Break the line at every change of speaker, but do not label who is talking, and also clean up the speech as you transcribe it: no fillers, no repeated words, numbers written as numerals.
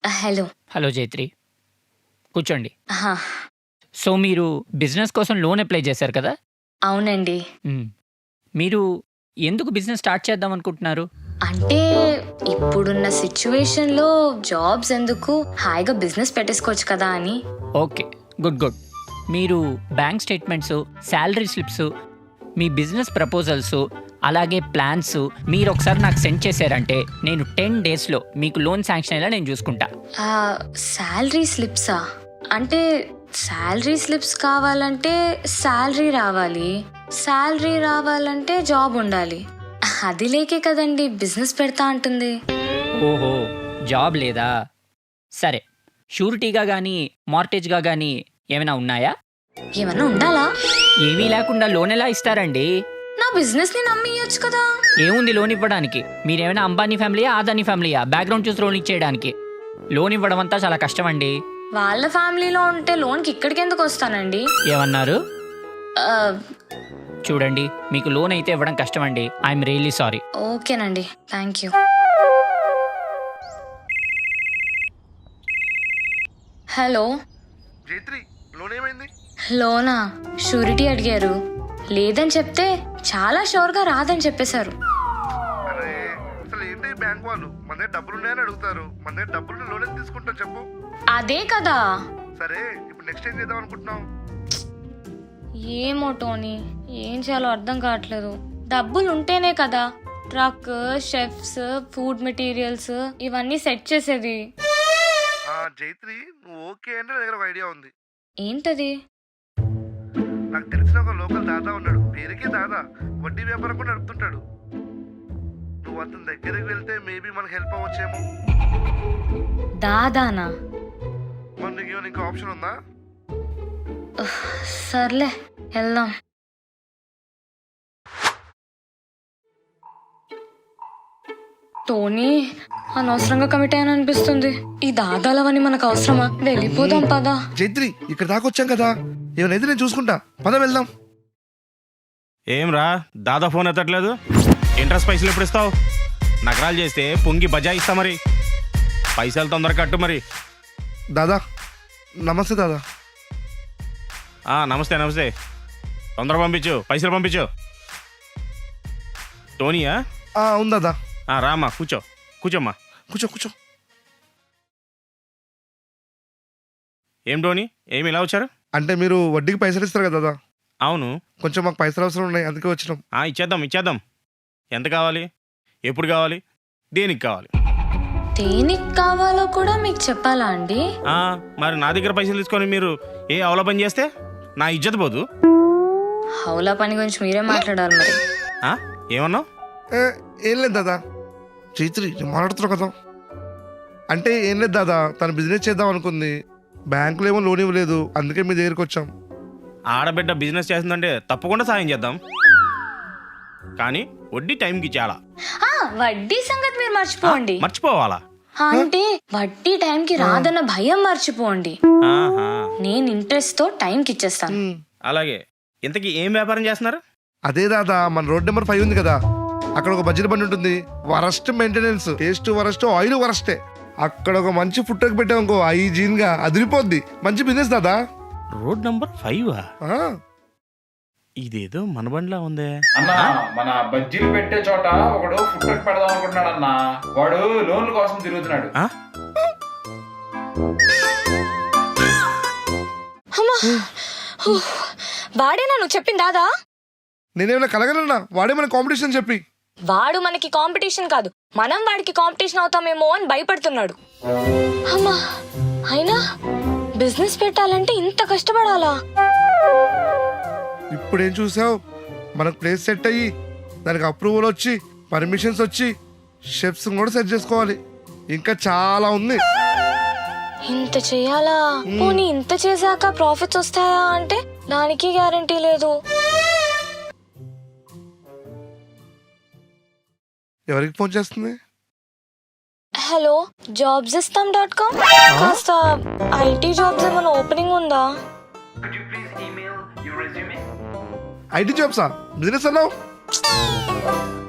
Hello.
Hello జైత్రి, కూర్చోండి.
ఆహా,
so మీరు బిజినెస్ కోసం లోన్ అప్లై చేశారు కదా?
అవునండి.
మ్మ్. మీరు ఎందుకు బిజినెస్ స్టార్ట్ చేద్దాం అనుకుంటున్నారు?
అంటే ఇప్పుడున్న సిచ్యువేషన్లో జాబ్స్ ఎందుకు, హాయిగా బిజినెస్ పెట్టేసుకోవచ్చు కదా అని.
Okay, good good. మీరు బ్యాంక్ స్టేట్మెంట్స్, శాలరీ స్లిప్స్, మీ బిజినెస్ ప్రపోజల్స్, అలాగే ప్లాన్స్ మీరు ఒకసారి నాకు సెండ్ చేశారంటే నేను 10 డేస్లో మీకు లోన్ శాంక్షన్ అయ్యేలా నేను చూసుకుంటా.
శాలరీ స్లిప్సా? అంటే శాలరీ స్లిప్స్ కావాలంటే శాలరీ రావాలి, శాలరీ రావాలంటే జాబ్ ఉండాలి. అది లేకే కదండి బిజినెస్ పెడతా అంటుంది.
ఓహో, జాబ్ లేదా? సరే, షూరిటీగా కానీ మార్టేజ్గా కానీ ఏమైనా ఉన్నాయా?
ఏమన్నా ఉండాలా?
ఏమీ లేకుండా లోన్ ఎలా ఇస్తారండి?
నా బిజినెస్ ని నమ్మియొచ్చు కదా.
ఏముంది లోన్ ఇవ్వడానికి? మీరేమైనా అంబానీ ఫ్యామిలీయా, ఆదానీ ఫ్యామిలీయా బ్యాక్గ్రౌండ్ చూసి లోన్ ఇచ్చేయడానికి? లోన్ ఇవ్వడం అంతా చాలా కష్టం అండి.
వాళ్ళ ఫ్యామిలీలో ఉంటే లోన్కి ఇక్కడికి ఎందుకు వస్తానండి?
ఏమన్నారు?
ఆ,
చూడండి, మీకు లోన్ అయితే ఇవ్వడం కష్టం అండి. I'm really sorry.
ఓకేనండి, thank you. Hello.
Jaitri, loan ఏమైంది?
లోనా? షూరిటీ అడిగారు, లేదని చెప్తే చాలా షూర్గా రాదని చెప్పేశారు.
అరే అసలు ఏంటి బ్యాంక్ వాళ్ళు మన దగ్గర డబ్బులు ఉన్నాయని అడుగుతారు. మన దగ్గర డబ్బులు లోన్ ఎంత తీసుకుంటాం చెప్పు?
అదే కదా.
సరే, ఇప్పుడు నెక్స్ట్ ఏం చేద్దాం అనుకుంటున్నాం?
ఏమో టోనీ, ఏం చేయాలో అర్థం కావట్లేదు. డబ్బులు ఉంటేనే కదా ట్రక్, షెఫ్స్, ఫుడ్ మెటీరియల్స్ ఇవన్నీ సెట్ చేసేది.
జైత్రి, నువ్వు ఓకే అంటే నా దగ్గర ఒక ఐడియా ఉంది.
ఏంటది?
నాకు తెలిసిన ఒక లోకల్ దాదా ఉన్నాడు. పేరుకే దాదా, వడ్డీ వ్యాపారం కూడా నడుపుతుంటాడు. నువ్వు అతని దగ్గరికి వెళ్తే మేబీ మనకు హెల్ప్ అవ్వచ్చేమో.
దాదానా?
మరి నీకు ఏమైనా ఇంకా ఆప్షన్ ఉందా?
సర్లే, వెళ్దాం. టోనీ, అనవసరంగా కమిట్ అయ్యాను అనిపిస్తుంది. ఈ దాదాలవని మనకు అవసరమా? వెళ్ళిపోదాం పదా.
జైత్రి, ఇక్కడ దాకా వచ్చాం కదా, ఏమైనా అయితే నేను చూసుకుంటా. పద వెళ్దాం.
ఏం రా, దాదా ఫోన్ ఎత్తట్లేదు? ఇంట్రెస్ట్ పైసలు ఎప్పుడు ఇస్తావు? నగరాలు చేస్తే పొంగి బజాయిస్తా మరి. పైసలు తొందరగా కట్టు మరి.
దాదా నమస్తే. దాదా
నమస్తే నమస్తే. తొందరగా పంపించు, పైసలు పంపించు. టోనీయా?
అవును దాదా.
రామ్మా, కూర్చోమ్మా.
కూర్చో.
ఏం టోనీ, ఏమి ఇలా వచ్చారు?
అంటే మీరు వడ్డీకి పైసలు ఇస్తారు కదా దాదా?
అవును.
కొంచెం మాకు పైసలు అవసరం ఉన్నాయి, అందుకే వచ్చినాం.
ఇచ్చేద్దాం. ఎంత కావాలి? ఎప్పుడు కావాలి? దేనికి కావాలి?
దేనికి కావాలో కూడా మీకు చెప్పాలా అండి?
మరి నా దగ్గర పైసలు తీసుకొని మీరు ఏ అవల పని చేస్తే నా ఇజ్జత పోదు.
హౌలా పని గురించి మీరే మాట్లాడాలి మరి.
ఏమన్నావు?
ఏం లేదు దాదా. చైత్రి, మాట్లాడుతున్నావు కదా. అంటే ఏం లేదు దాదా, తను బిజినెస్ చేద్దాం అనుకుంది, బ్యాంకులో ఏమో లోన్ ఇవ్వలేదు, అందుకే మీ దగ్గరికి వచ్చాం.
ఆడబిడ్డ బిజినెస్ చేస్తుందంటే తప్పకుండా సాయం చేద్దాం, కానీ వడ్డీ టైంకి ఇచ్చేయాలా.
వడ్డీ సంగతి మీరు మర్చిపోండి.
మర్చిపోవాలా?
అంటే వడ్డీ టైంకి రాదన్న భయం మర్చిపోండి. నేను ఇంట్రెస్ట్ తో టైంకి ఇచ్చేస్తాను.
అలాగే. ఇంతకీ ఏం వ్యాపారం చేస్తున్నారు? అదే
దాదా, మన రోడ్ నెంబర్ 5 ఉంది కదా, అక్కడ ఒక బడ్జెట్ బండి ఉంటుంది. Worst maintenance, taste worst, oil వరస్టే. అక్కడ ఒక మంచి ఫుడ్ ట్రక్ పెట్టాం అనుకో, హైజీన్ గా అదిరిపోద్ది. మంచి బిజినెస్ దాదా.
Road number 5? ఇదేదో మన బండిలా ఉందే
అన్నా. మన బజ్జీలు పెట్టే చోట ఒకడు ఫుడ్ ట్రక్ పెడదాం అనుకుంటున్నాడు అన్న. వాడు లోన్ల కోసం తిరుగుతున్నాడు.
వాడేనా నువ్వు చెప్పింది దాదా?
నేనేమైనా కలగలన్నా? వాడే మన కాంపిటీషన్ చెప్పి.
వాడు మనకి కాంపిటీషన్ కాదు, మనం వాడికి కాంపిటీషన్ అవుతామేమో అని భయపడుతున్నాడు. అమ్మా, అయినా బిజినెస్ పెట్టాలంటే ఇంత కష్టపడాలా?
ఇప్పుడేం చూసావు, మనకు ప్లేస్ సెట్ అయ్యి దానికి అప్రూవల్ వచ్చి పర్మిషన్స్ వచ్చి షెఫ్స్ కూడా సెట్ చేసుకోవాలి. ఇంకా చాలా ఉంది.
ఇంత చెయ్యాలా? పోనీ ఇంత చేశాక ప్రాఫిట్స్ వస్తాయా అంటే దానికి గ్యారంటీ లేదు.
ఎవరికి ఫోన్ చేస్తుంది?
Hello, jobsistam.com. కాస్త ఐటీ జాబ్స్ ఏమైనా ఓపెనింగ్ ఉందా?
ఐటీ జాబ్సా? బిజినెస్ అన్నావు?